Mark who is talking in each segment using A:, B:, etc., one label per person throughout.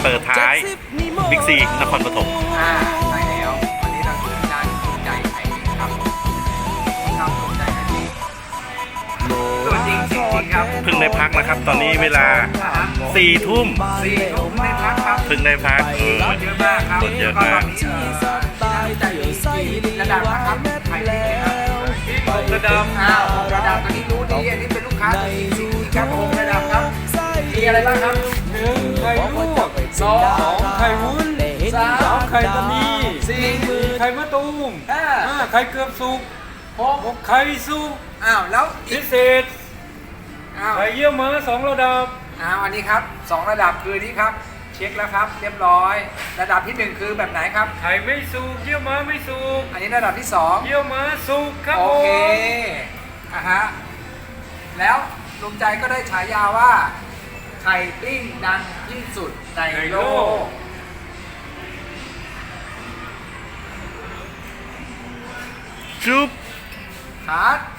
A: เปิดท้ายบิ๊กซีนครปฐม
B: ใช่แล้ววันนี้เราอยู่ที่ร้านภูมิใจไข่ครับทำภูมิใจไข่ตัวจริงครับ
A: เพิ่งได้พักนะครับ ตอนนี้เวลา4 ทุ่ม
B: 4 ทุ่มได้พักครับ
A: เพิ่งได้พัก
B: เยอะมากครับ
A: เยอะมาก
B: ใจดีระดับนะครับไข่ดีครับระดับระดับอันนี้รู้ดีอันนี้เป็นลูกค้าดีครับ6 ระดับครับมีอะไรบ้างครับ
C: 1 ไข่ลวก 2 ไข่วุ้น 3 ไข่ตะนี 4 ไข่มะตูม 5 ไข่เกือบสุก 6 ไข่สุก
B: แล้ว
C: พิเศษ ไข่เยี่ยวม้า2 ระดับ
B: อันนี้ครับ2 ระดับคือนี้ครับเช็คแล้วครับเรียบร้อยระดับที่1คือแบบไหนครับ
C: ไข่ไม่สุกเยี่ยวม้าไม่สุก
B: อันนี้ระดับที่2
C: เยี่ยวม้าสุกครับ
B: โอ
C: ผม
B: เคแล้วลุงใจก็ได้ฉายาว่าไข่ปิ้งดังที่สุดในโลก
A: จุ๊บ
B: คัด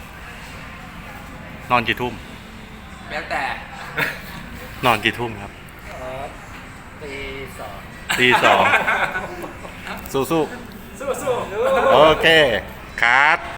A: นอนกี่ทุ่ม
B: แล้วแต่
A: นอนกี่ทุ่มครับ
C: ตี
A: ตี 2สู้
C: 2สู้
A: ๆโอเคคัด